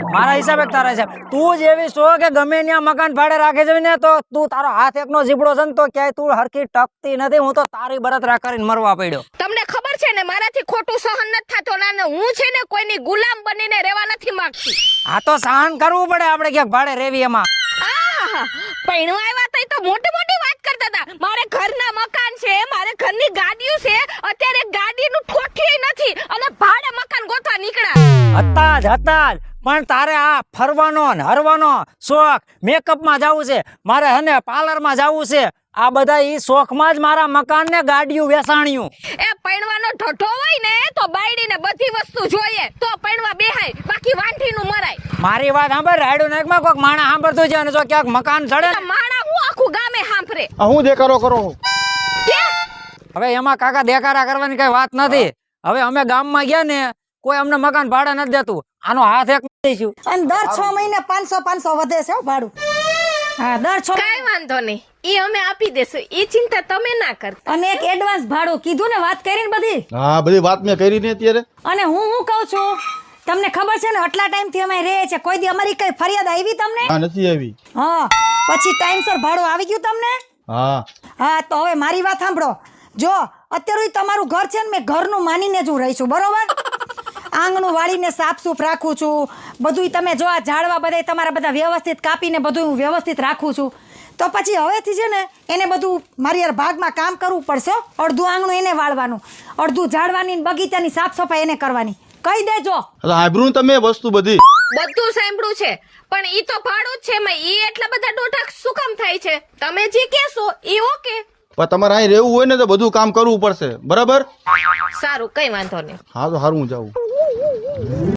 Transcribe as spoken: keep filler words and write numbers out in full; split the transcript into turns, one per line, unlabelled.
મારા હિસાબે તારા હિસાબ તું જેવી છો કે ગમે ત્યાં મકાન ભાડે રાખે છે ને તો તું તારો હાથ એકનો જીબડો છે ને તો ક્યાંય તું હરખી ટકતી નથી. હું તો તારી બળતરા કરીને મરવા પડ્યો.
તમને ખબર છે ને મારાથી ખોટું સહન નથી થતો ને હું છે ને કોઈની ગુલામ બનીને રહેવા નથી માંગતી.
આ તો સહન કરવું પડે આપણે ક્યાંક ભાડે રહેવી એમાં.
આહા પૈણું આવ્યા તઈ તો મોટી મોટી વાત કરતા હતા. મારે ઘરના મકાન છે, મારે ઘરની ગાડીઓ છે, અત્યારે ગાડીનું ઠોઠિયું નથી અને ભાડે મકાન ગોતવા નીકળ્યા.
હતા જ હતા જ પણ તારે આ ફરવાનો ને હરવાનો શોખ, મેકઅપમાં જવું છે, મારે હને પાર્લરમાં જવું છે, આ બધા ઈ શોખમાં જ મારા મકાન ને ગાડીયું વેસાણ્યું.
એ પૈણવાનો ઢઢો હોય ને તો બાયડીને બધી વસ્તુ જોઈએ તો પૈણવા બેહાય, બાકી વાંઢીનું મરાય.
મારી વાત સાંભળ, રાયડું નાકમાં કોઈક માણા સાંભળતું છે અને જો ક્યાંક મકાન ચડે
તો માણા હું આખું ગામે સાંભળે.
હું દેખાડો કરો
હવે એમાં કાકા દેખાડા કરવાની કઈ વાત નથી. હવે અમે ગામમાં ગયા ને કોઈ અમને મકાન ભાડે નથી દેતું. આનો હાથ એક દઈશું
અને દર છ મહિને પાંચસો પાંચસો વધે છે ભાડું. હા દર છ
કઈ વાંધો નહીં, ઈ અમે આપી દેશું, ઈ ચિંતા તમે ના કરતા.
અને એક એડવાન્સ ભાડું કીધું ને, વાત કરીને બધી.
હા બધી વાત મેં કરી ને અત્યારે.
અને હું હું કહું છું, તમને ખબર છે ને આટલા ટાઈમ થી અમે રહે છે, કોઈ દી અમારી કઈ ફરિયાદ આવી તમને?
હા નથી આવી.
હા પછી ટાઈમસર ભાડું આવી ગયું તમને?
હા
હા તો હવે મારી વાત સાંભળો. જો અત્યારે તમારું ઘર છે ને, મેં ઘરનું માનીને જ હું રહી છું, બરોબર? આંગણું વાળીને સાફસૂફ રાખું છું, બધું તમે જો આ ઝાડવા બધા તમારા બધા વ્યવસ્થિત કાપીને બધું હું વ્યવસ્થિત રાખું છું. તો પછી હવેથી છે ને એને બધું મારી યાર ભાગમાં કામ કરવું પડશે. અડધું આંગણું એને વાળવાનું, અડધું ઝાડવાની બગીચાની સાફ સફાઈ એને કરવાની. કહી દેજો.
સાંભળ્યું તમે વસ્તુ બધી?
બધું સાંભળ્યું છે પણ ઈ તો ભાડું જ છે, મેં ઈ એટલા બધા ડોઢા શું કામ થાય છે? તમે જે કહેશો ઈ ઓકે.
પણ તમારે અહીં રહેવું હોય ને તો બધું કામ કરવું પડશે, બરાબર?
સારું કઈ વાંધો નહીં.
હા તો સારું હું જાઉં.